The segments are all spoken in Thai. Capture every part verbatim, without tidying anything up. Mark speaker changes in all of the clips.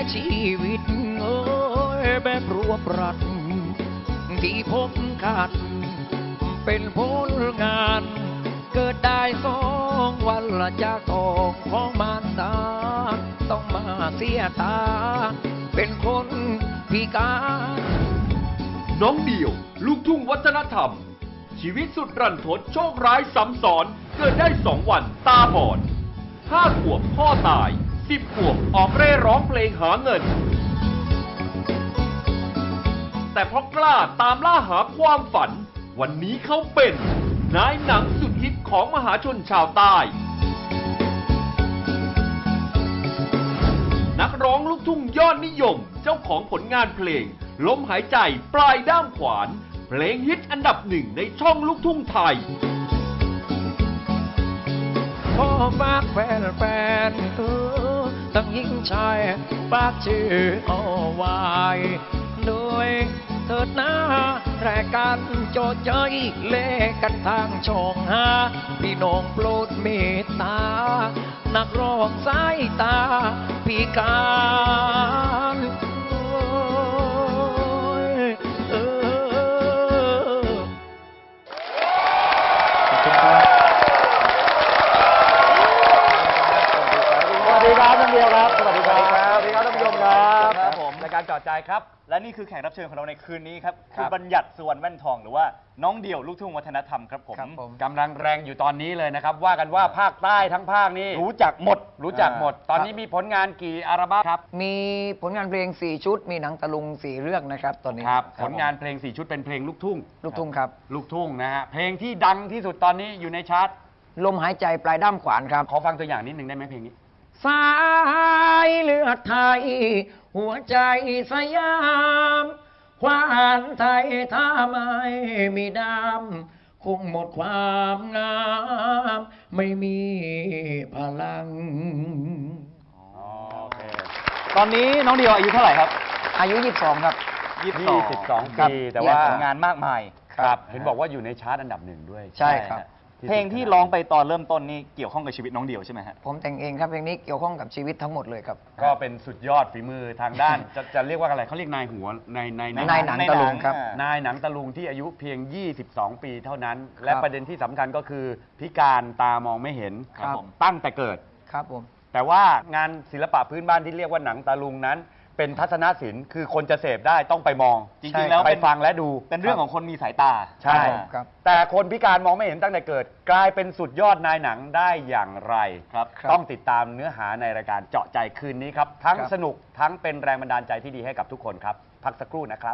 Speaker 1: ชีวิตเอ้ยแบบรวบรัดที่ผมขาดเป็นผลงานเกิดได้สองวันละจากทองของมารดาต้องมาเสียตาเป็นคนพิการ
Speaker 2: น้องเดี่ยวลูกทุ่งวัฒนธรรมชีวิตสุดรันทดโชคร้ายซ้ำซ้อนเกิดได้สองวันตาบอดห้าขวบพ่อตายสิบขวบออกเร่ร้องเพลงหาเงินแต่เพราะกล้าตามล่าหาความฝันวันนี้เขาเป็นนายหนังสุดฮิตของมหาชนชาวใต้นักร้องลูกทุ่งยอดนิยมเจ้าของผลงานเพลงลมหายใจปลายด้ามขวานเพลงฮิตอันดับหนึ่งในช่องลูกทุ่งไทย
Speaker 1: ขอฝากแฟนแฟนเออทั้งหญิงชายฝากชื่อเอาไว้โดยเถิดหน้ารายการโจเจยเล่กันทางช่องหาพี่น้องโปรดเมตตานักร้องสายตาพิการ
Speaker 3: สวัสดีครับท่านเดียวครับสวัสดีครับสวัสดีครับท่านผู้ชมครับครับผมรายการจอดใจครับและนี่คือแขกรับเชิญของเราในคืนนี้ครับคือบัญญัติสุวรรณแว่นทองหรือว่าน้องเดี่ยวลูกทุ่งวัฒนธรรมครับผม
Speaker 4: กำลังแรงอยู่ตอนนี้เลยนะครับว่ากันว่าภาคใต้ทั้งภาคนี้
Speaker 3: รู้จักหมด
Speaker 4: รู้จักหมดตอนนี้มีผลงานกี่อัลบั้มครับ
Speaker 1: มีผลงานเพลงสี่ชุดมีหนังตะลุงสี่เรื่องนะครับตอนนี้
Speaker 4: ครับผลงานเพลงสี่ชุดเป็นเพลงลูกทุ่ง
Speaker 1: ลูกทุ่งครับ
Speaker 4: ลูกทุ่งนะฮะเพลงที่ดังที่สุดตอนนี้อยู่ในชาร์ต
Speaker 1: ลมหายใจปลายด้ามขวานครับ
Speaker 4: ขอฟังตัวอย่างนิดนึงได้ไหมเพลงนี้
Speaker 1: สายเลือดไทยหัวใจสยามควานไทยถ้าไม่มีดำคงหมดความงามไม่มีพลัง
Speaker 3: โอเคตอนนี้น้องเดียวอายุเท่าไหร่ครับ
Speaker 1: อายุยี่สิบสองครับ
Speaker 4: ยี่สิบสองปีแต่ว่า
Speaker 3: ผลงานมากมาย
Speaker 4: ครับเห็นบอกว่าอยู่ในชาร์ตอันดับหนึ่งด้วย
Speaker 1: ใช่ครับ
Speaker 3: เพลงที่ร้องไปตอนเริ่มต้นนี่เกี่ยวข้องกับชีวิตน้องเดียวใช่ไหมฮะ
Speaker 1: ผมแต่งเองครับเพลงนี้เกี่ยวข้องกับชีวิตทั้งหมดเลยครับ
Speaker 4: ก็เป็นสุดยอดฝีมือทางด้าน จะจะเรียกว่าอะไรเขาเรียกนายหัวในใน
Speaker 1: นายหนังตะลุงครับ
Speaker 4: นายหนังตะลุงที่อายุเพียงยี่สิบสองปีเท่านั้นและประเด็นที่สำคัญก็คือพิการตามองไม่เห็นตั้งแต่เกิด
Speaker 1: ครับผม
Speaker 4: แต่ว่างานศิลปะพื้นบ้านที่เรียกว่าหนังตะลุงนั้นเป็นทัศนศิลป์คือคนจะเสพได้ต้องไปมอง
Speaker 3: จริงๆแล้ว
Speaker 4: ไปฟังและดู
Speaker 3: เป็นเรื่องของคนมีสายตา
Speaker 4: ใช่แต่คนพิการมองไม่เห็นตั้งแต่เกิดกลายเป็นสุดยอดนายหนังได้อย่างไรครับต้องติดตามเนื้อหาในรายการเจาะใจคืนนี้ครับทั้งสนุกทั้งเป็นแรงบันดาลใจที่ดีให้กับทุกคนครับพักสักครู่นะครับ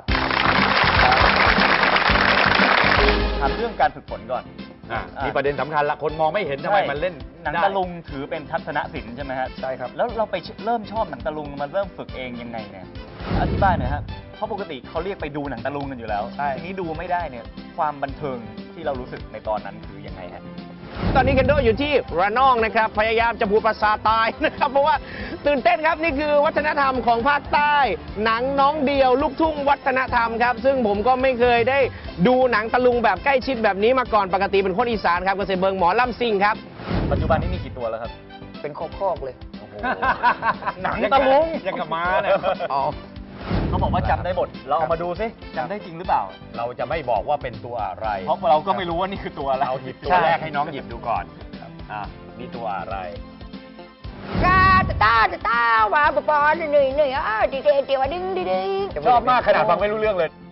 Speaker 3: ถามเรื่องการฝึกฝนก่อน
Speaker 4: มีประเด็นสำคัญละคนมองไม่เห็นทำไมมันเล่น
Speaker 3: หนังตะลุงถือเป็นทัศนศิลป์ใช่ไหมฮะ
Speaker 1: ใช่ครับ
Speaker 3: แล้วเราไปเริ่มชอบหนังตะลุงมาเริ่มฝึกเองยังไงเนี่ยอธิบายหน่อยครับเพราะปกติเขาเรียกไปดูหนังตะลุงกันอยู่แล้วใช่นี้ดูไม่ได้เนี่ยความบันเทิงที่เรารู้สึกในตอนนั้นคือยังไงฮะ
Speaker 5: ตอนนี้เคนโดอยู่ที่ระนองนะครับพยายามจะพูดภาษาใต้นะครับเพราะว่าตื่นเต้นครับนี่คือวัฒนธรรมของภาคใต้หนังน้องเดียวลูกทุ่งวัฒนธรรมครับซึ่งผมก็ไม่เคยได้ดูหนังตะลุงแบบใกล้ชิดแบบนี้มาก่อนปกติเป็นคนอีสานครับก็เสเบิงหมอลำซิ่งครับ
Speaker 3: ปัจจุบันนี้มีกี่ตัวแล้วครับ
Speaker 1: เป็นคอกๆเลย
Speaker 3: หนังตะลุง
Speaker 4: ยังกับม้าเนี่ย
Speaker 3: อ๋อเขาบอกว่าจำได้บทเราเอามาดูซิจำได้จริงหรือเปล่า
Speaker 4: เราจะไม่บอกว่าเป็นตัวอะไร
Speaker 3: เพราะเราก็ไม่รู้ว่านี่คือตัวอะไร
Speaker 4: เอาหยิบตัวแรกให้น้องหยิบดูก่อนอ่ะนี่ตัวอะไร
Speaker 6: กาตาตาตาว่าปอปอหนึ่งหนึ่งอ่ะดีเดียวดิ้งดิ้ง
Speaker 4: ชอบมากขนาดฟังไม่รู้เรื่องเลย